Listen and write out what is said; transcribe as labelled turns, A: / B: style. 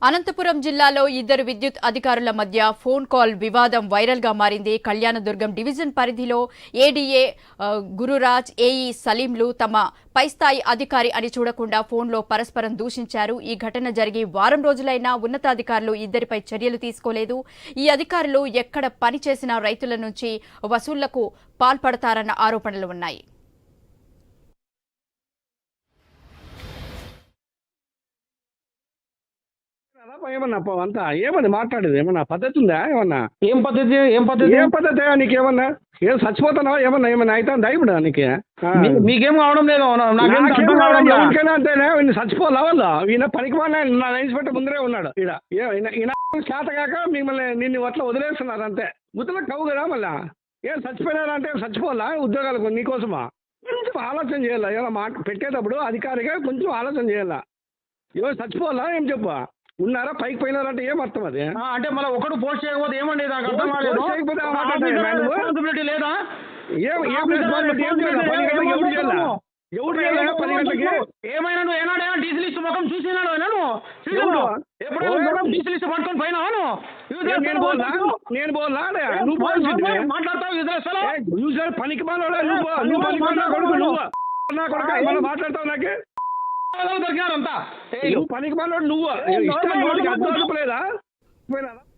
A: అనంతపురం జిల్లాలో ఇద్దరు విద్యుత్ అధికారుల మధ్య ఫోన్ కాల్ వివాదం వైరల్ గా మారింది. కళ్యాణదుర్గం డివిజన్ పరిధిలో ఏడీఏ గురురాజ్, ఏఈ సలీంలు తమ పైస్థాయి అధికారి అని చూడకుండా ఫోన్లో పరస్పరం దూషించారు. ఈ ఘటన జరిగి వారం రోజులైనా ఉన్నతాధికారులు ఇద్దరిపై చర్యలు తీసుకోలేదు. ఈ అధికారులు ఎక్కడ పని చేసినా రైతుల నుంచి వసూళ్లకు పాల్పడతారన్న ఆరోపణలు ఉన్నాయి.
B: ఏమన్నా అంతా ఏమన్నా మాట్లాడేది ఏమన్నా పద్ధతి ఉందా? ఏమన్నా
C: ఏం పద్ధతి
B: ఏం పద్ధతి నీకేమన్నా ఏం చచ్చిపోతున్నావా? ఏమన్నా ఏమన్నా అయితే ఇప్పుడు నీకు
C: మీకేం కావడం లేదు. నాకేం అర్థం కావడం లేదు.
B: ఎవరికైనా అంతేనే చచ్చిపోలే వాళ్ళు. ఈయన పనికి నా ఇన్స్పెక్టర్ ముందరే ఉన్నాడు. ఈయన చేత కాక మిమ్మల్ని నిన్ను అట్లా వదిలేస్తున్నారు అంతే. ముద్దలకు కవ్వు కదా మళ్ళా. ఏం చచ్చిపోయినారంటే చచ్చిపోవాలా ఉద్యోగాలకు నీకోసమా? కొంచెం ఆలోచన చేయాలా. ఏమైనా మాట పెట్టేటప్పుడు అధికారిగా కొంచెం ఆలోచన చేయాలా. ఎవరు చచ్చిపోవాలా ఏం చెప్పు ఉన్నారా పైకి పోయినారంటే ఏం అర్థం అది?
C: అంటే మళ్ళీ ఒకటి పోస్ట్ చేయకపోతే ఏమండి? నాకు అర్థం కాలేదు. రెస్పాన్సిబిలిటీ లేదా? ఏమైనా నువ్వు ఏనాడైనా డీసీ లిస్ట్ మొత్తం చూసినాడు? ఎప్పుడు డీసీ లిస్ట్ పట్టుకొని పోయినాను
B: నేను బోల్లా
C: నువ్వు మాట్లాడతావు
B: పనికి మాట్లాడతావు నాకే
C: దొరికినారు అంతా.
B: పనికి మాట్లాడు నువ్వు ఇష్టం లేదా?